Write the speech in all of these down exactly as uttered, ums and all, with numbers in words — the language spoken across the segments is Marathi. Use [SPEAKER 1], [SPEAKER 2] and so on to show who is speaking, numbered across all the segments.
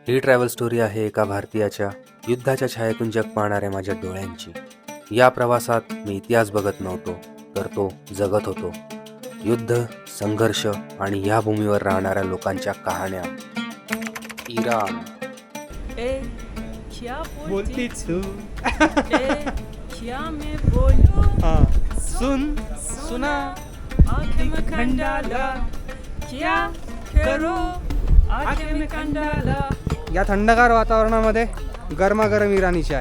[SPEAKER 1] ही ट्रॅव्हल स्टोरी आहे एका भारतीयाच्या युद्धाच्या छायेतून जग पाहणाऱ्या माझ्या डोळ्यांची. या प्रवासात मी इतिहास बघत नव्हतो, तर तो जगत होतो. युद्ध, संघर्ष आणि या भूमीवर राहणाऱ्या लोकांच्या कहाण्या. इराण.
[SPEAKER 2] ए, क्या
[SPEAKER 3] बोलती तू
[SPEAKER 2] ए, क्या मैं बोलूं?
[SPEAKER 3] हाँ सुन सुना
[SPEAKER 2] आंखें में कंडाला, क्या करूं? आंखें में कंडाला.
[SPEAKER 3] या थंडगार वातावरणामध्ये गरमागरम इराणी चाय.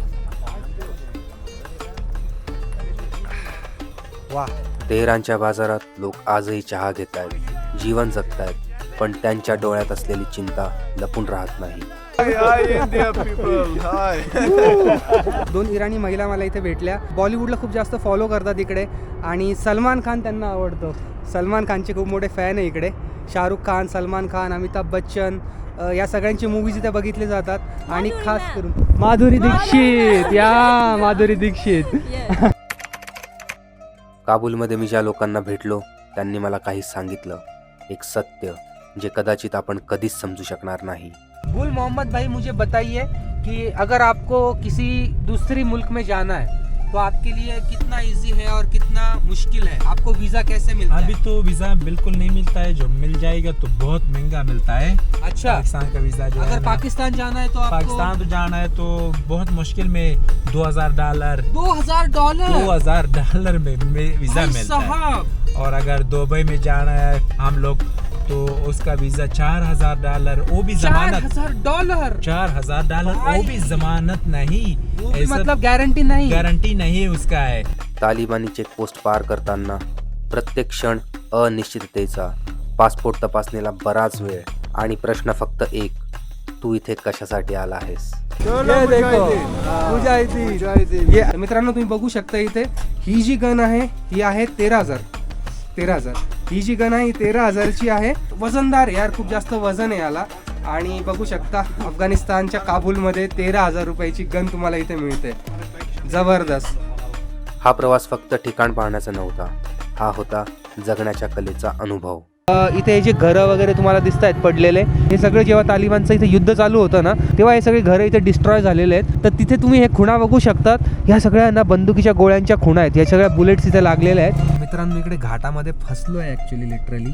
[SPEAKER 3] वा.
[SPEAKER 1] तेहरानच्या बाजारात लोक आजही चहा घेत आहेत, जीवन जगत आहेत, पण त्यांच्या डोळ्यात असलेली चिंता लपून राहत नाही.
[SPEAKER 3] दोन इराणी महिला मला इथे भेटल्या. बॉलिवूडला खूप जास्त फॉलो करतात इकडे आणि सलमान खान त्यांना आवडतो. सलमान खानचे खूप मोठे फॅन आहे इकडे. शाहरुख खान, सलमान खान, अमिताभ बच्चन अ, या सगळ्यांची मूवीज इथे बघितले जातात आणि खास करून माधुरी दीक्षित. या माधुरी दीक्षित.
[SPEAKER 1] काबूलमध्ये मी ज्या लोकांना भेटलो त्यांनी मला काही सांगितलं, एक सत्य जे कदाचित आपण कधीच समजू शकणार नाही.
[SPEAKER 3] गुल मोहम्मद भाई, मुझे बताइए कि अगर आपको किसी दूसरी मुल्क में जाना है तो आपके लिए कितना इजी है और कितना मुश्किल है? आपको वीज़ा कैसे मिलता
[SPEAKER 4] अभी
[SPEAKER 3] है?
[SPEAKER 4] तो वीज़ा बिल्कुल नहीं मिलता है, जो मिल जाएगा तो बहुत महंगा मिलता है.
[SPEAKER 3] अच्छा,
[SPEAKER 4] पाकिस्तान का वीज़ा जो है
[SPEAKER 3] अगर
[SPEAKER 4] ना,
[SPEAKER 3] पाकिस्तान जाना है तो आपको
[SPEAKER 4] पाकिस्तान तो जाना है तो बहुत मुश्किल में दो हजार डॉलर
[SPEAKER 3] दो हजार डॉलर
[SPEAKER 4] दो हजार डॉलर में, में वीज़ा
[SPEAKER 3] भाई
[SPEAKER 4] मिलता है.
[SPEAKER 3] साहब.
[SPEAKER 4] और अगर दुबई में जाना है हम लोग तो उसका वीज़ा चार हजार डॉलर, वो भी
[SPEAKER 3] चार
[SPEAKER 4] जमानत.
[SPEAKER 3] हजार डॉलर
[SPEAKER 4] चार हजार डॉलर वो भी जमानत नहीं,
[SPEAKER 3] वो भी
[SPEAKER 4] ऐसा
[SPEAKER 3] मतलब गारंटी नहीं.
[SPEAKER 4] गारंटी नहीं उसका है.
[SPEAKER 1] तालिबानी चेकपोस्ट पार करताना प्रत्येक क्षण अनिश्चिततेचा, पासपोर्ट तपासणीला बराच वेळ आणि प्रश्न फक्त एक, तू इथे कशासाठी आला आहेस?
[SPEAKER 3] ये देखो, मुजाहिदीन. ये मित्रांनो तुम्ही बघू शकता इथे ही जी गन आहे ही आहे तेरा हजार तेरा हजार ही जी गन आहे ही तेरा हजारची आहे. वजनदार यार, खूप जास्त वजन आहे याला. आणि बघू शकता अफगाणिस्तानच्या काबूलमध्ये तेरा हजार रुपयाची गन तुम्हाला इथे मिळते. जबरदस्त.
[SPEAKER 1] हा प्रवास फक्त ठिकाण पाहण्याचा नव्हता, हा होता जगण्याच्या कलेचा अनुभव.
[SPEAKER 3] इथे जे घरं वगैरे तुम्हाला दिसत आहेत पडलेले, हे सगळे जेव्हा तालिबानचं इथे युद्ध चालू होतं ना, तेव्हा हे सगळे घरं इथे डिस्ट्रॉय झालेले आहेत. तर तिथे तुम्ही हे खुणा बघू शकतात. ह्या सगळ्यांना बंदुकीच्या गोळ्यांच्या खुणा आहेत. या सगळ्या बुलेट्स इथे लागलेल्या आहेत. मित्रांनो, इकडे घाटामध्ये फसलो आहे ॲक्च्युली, लिटरली.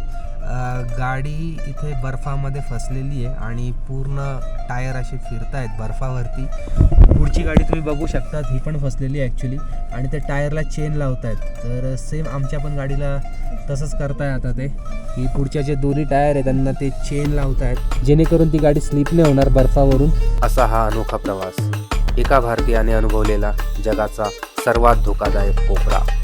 [SPEAKER 3] गाडी इथे बर्फामध्ये फसलेली आहे आणि पूर्ण टायर असे फिरत आहेत बर्फावरती. पुढची गाडी तुम्ही बघू शकतात, ही पण फसलेली आहे ॲक्च्युली आणि ते टायरला चेन लावत आहेत. तर सेम आमच्या पण गाडीला तसंच करताय आता ते, की पुढच्या जे दोन्ही टायर आहेत त्यांना ते चेन लावत आहेत जेणेकरून ती गाडी स्लिप नाही होणार बर्फावरून.
[SPEAKER 1] असा हा अनोखा प्रवास, एका भारतीयाने अनुभवलेला जगाचा सर्वात धोकादायक कोपरा.